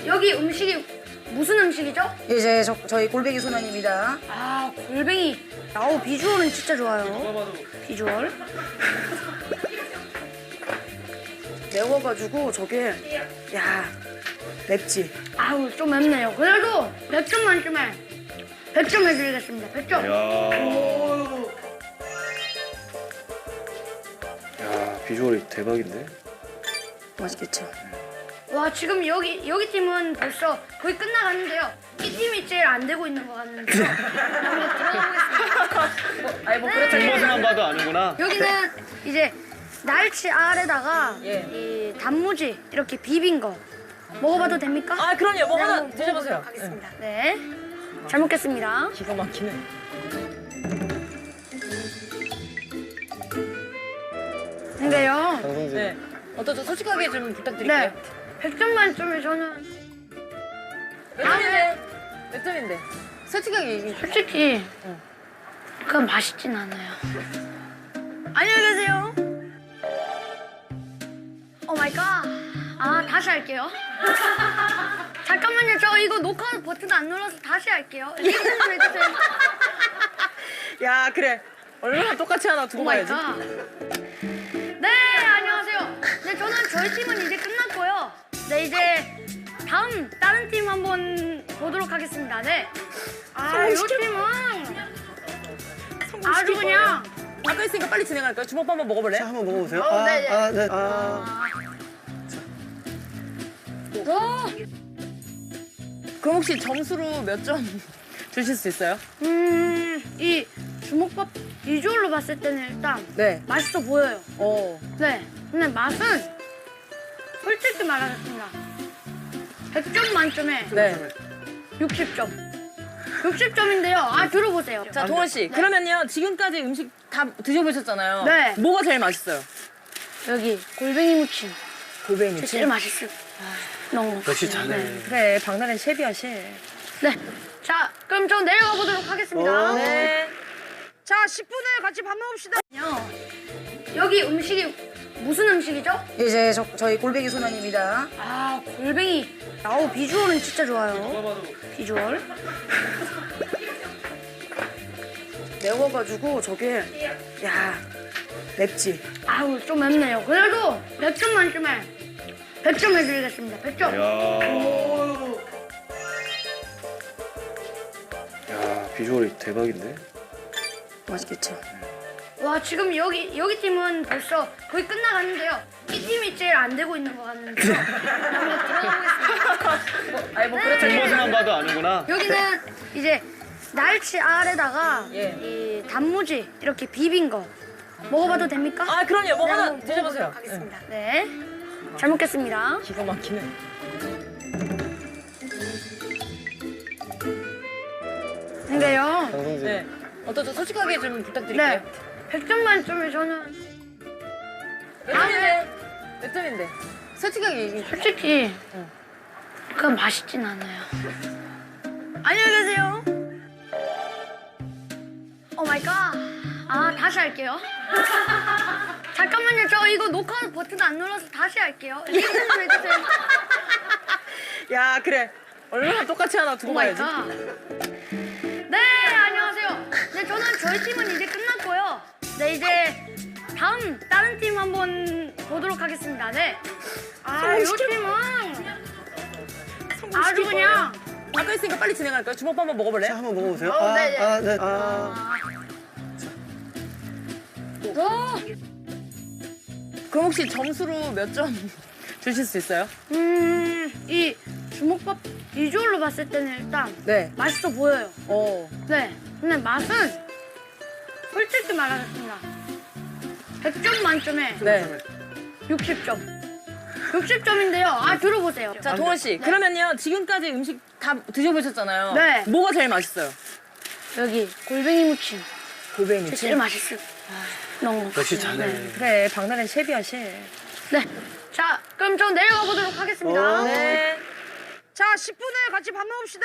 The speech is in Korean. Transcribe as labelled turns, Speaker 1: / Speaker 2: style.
Speaker 1: 여기 음식이 무슨 음식이죠?
Speaker 2: 이제 저희 골뱅이 소면입니다.
Speaker 1: 아, 골뱅이. 아우, 비주얼은 진짜 좋아요. 비주얼.
Speaker 2: 매워가지고 저게 야 맵지.
Speaker 1: 아우, 좀 맵네요. 그래도 100점 만점에 100점 해드리겠습니다. 100점.
Speaker 3: 야, 비주얼이 대박인데?
Speaker 2: 맛있겠죠.
Speaker 1: 와, 지금 여기 팀은 벌써 거의 끝나가는데요. 이 팀이 제일 안 되고 있는 것 같는데요. 한번 들어가 보겠습니다.
Speaker 2: 아니 뭐
Speaker 1: 네.
Speaker 2: 그렇죠.
Speaker 3: 뒷모습만 봐도 아는구나.
Speaker 1: 여기는 이제 날치 알에다가
Speaker 2: 예.
Speaker 1: 이 단무지 이렇게 비빈 거 먹어봐도 됩니까?
Speaker 2: 아 그럼요. 뭐
Speaker 1: 네,
Speaker 2: 하나
Speaker 1: 한번
Speaker 2: 드셔보세요.
Speaker 1: 먹어보도록 하겠습니다. 네. 잘 먹겠습니다.
Speaker 2: 기가 막히네.
Speaker 1: 근데요.
Speaker 3: 강성진.
Speaker 2: 네. 어떠죠? 솔직하게 좀 부탁드릴게요.
Speaker 1: 네. 100점 만점에 저는
Speaker 2: 몇 점인데? 몇 점인데? 솔직하게 얘기해.
Speaker 1: 솔직히 그건 맛있진 않아요. 안녕히 계세요. 오 마이 갓. 아, 다시 할게요. 잠깐만요. 저 이거 녹화 버튼 안 눌러서 다시 할게요. 리액션 좀 해주세요.
Speaker 2: 야 그래. 얼마나 똑같이 하나 두고
Speaker 1: 오 마이
Speaker 2: 가야지.
Speaker 1: 갓. 네, 안녕하세요. 네, 저는 저희 팀은 이제 끝났고요. 네, 이제 다음 다른 팀 한번 보도록 하겠습니다. 네. 아, 이 팀은 아주 그냥
Speaker 2: 아까 했으니까 빨리 진행할까요? 주먹밥 한번 먹어볼래?
Speaker 3: 자, 한번 먹어보세요.
Speaker 1: 네, 네.
Speaker 3: 네.
Speaker 2: 그럼 혹시 점수로 몇 점 주실 수 있어요?
Speaker 1: 이 주먹밥 비주얼로 봤을 때는 일단
Speaker 2: 네.
Speaker 1: 맛있어 보여요. 네. 근데 맛은 솔직히 말하겠습니다. 100점 만점에
Speaker 2: 네.
Speaker 1: 60점. 60점인데요. 아, 들어보세요.
Speaker 2: 자, 동원 씨. 그러면요. 지금까지 음식 다 드셔보셨잖아요.
Speaker 1: 네.
Speaker 2: 뭐가 제일 맛있어요?
Speaker 1: 여기 골뱅이 무침.
Speaker 2: 골뱅이
Speaker 1: 제일 맛있어요. 너무.
Speaker 3: 역시 잘해.
Speaker 1: 네.
Speaker 2: 그래, 박나래 셰프야, 셰프.
Speaker 1: 네. 자, 그럼 저 내려가 보도록 하겠습니다.
Speaker 2: 네.
Speaker 1: 자, 10분에 같이 밥 먹읍시다. 여기 음식이 무슨 음식이죠?
Speaker 2: 이제 저희 골뱅이 소면입니다.
Speaker 1: 아, 골뱅이. 아우, 비주얼은 진짜 좋아요. 비주얼.
Speaker 2: 매워가지고 저게 야 맵지.
Speaker 1: 아우, 좀 맵네요. 그래도 100점 만점에 100점 해드리겠습니다. 100점.
Speaker 3: 야, 비주얼이 대박인데?
Speaker 2: 맛있겠죠.
Speaker 1: 와, 지금 여기 팀은 벌써 거의 끝나가는데요. 이 팀이 제일 안 되고 있는 것 같는데요. 한번 들어가 보겠습니다.
Speaker 2: 아니 뭐
Speaker 1: 네.
Speaker 2: 그렇죠.
Speaker 3: 뒷모습만 봐도 아는구나.
Speaker 1: 여기는 이제 날치 알에다가
Speaker 2: 예.
Speaker 1: 이 단무지 이렇게 비빈 거 먹어봐도 됩니까?
Speaker 2: 아 그럼요. 뭐
Speaker 1: 네,
Speaker 2: 하나
Speaker 1: 한번
Speaker 2: 드셔보세요.
Speaker 1: 먹어보도록 하겠습니다. 네. 잘 먹겠습니다.
Speaker 2: 기가 막히네.
Speaker 1: 근데요.
Speaker 3: 강성진.
Speaker 2: 네. 어떠죠? 솔직하게 좀 부탁드릴게요.
Speaker 1: 네. 100점 만점에 저는
Speaker 2: 몇 점인데? 몇 점인데? 솔직하게 얘기해.
Speaker 1: 솔직히 그건 맛있진 않아요. 안녕히 계세요. 오 마이 갓. 아, 다시 할게요. 잠깐만요. 저 이거 녹화 버튼 안 눌러서 다시 할게요. 리액션 좀 해주세요.
Speaker 2: 야 그래. 얼마나 똑같이 하나
Speaker 1: 오
Speaker 2: 두고
Speaker 1: 마이
Speaker 2: 가야지.
Speaker 1: 갓. 네, 안녕하세요. 네, 저는 저희 팀은 이제 끝났고요. 네, 이제 다음 다른 팀 한번 보도록 하겠습니다. 네. 아, 이 팀은 아주 그냥
Speaker 2: 아까 했으니까 빨리 진행할까요? 주먹밥 한번 먹어볼래?
Speaker 3: 자, 한번 먹어보세요.
Speaker 1: 네, 네.
Speaker 2: 그럼 혹시 점수로 몇 점 주실 수 있어요?
Speaker 1: 이 주먹밥 비주얼로 봤을 때는 일단
Speaker 2: 네.
Speaker 1: 맛있어 보여요. 네. 근데 맛은 솔직히 말하겠습니다. 100점 만점에
Speaker 2: 네.
Speaker 1: 60점. 60점인데요. 아, 들어보세요.
Speaker 2: 자, 동원 씨. 그러면요. 지금까지 음식 다 드셔보셨잖아요.
Speaker 1: 네.
Speaker 2: 뭐가 제일 맛있어요?
Speaker 1: 여기 골뱅이 무침.
Speaker 2: 골뱅이
Speaker 1: 제일 맛있어요. 너무.
Speaker 3: 역시 잘해.
Speaker 1: 네.
Speaker 2: 그래, 박나래 셰프야, 셰프.
Speaker 1: 네. 자, 그럼 저 내려가 보도록 하겠습니다.
Speaker 2: 네.
Speaker 1: 자, 10분에 같이 밥 먹읍시다.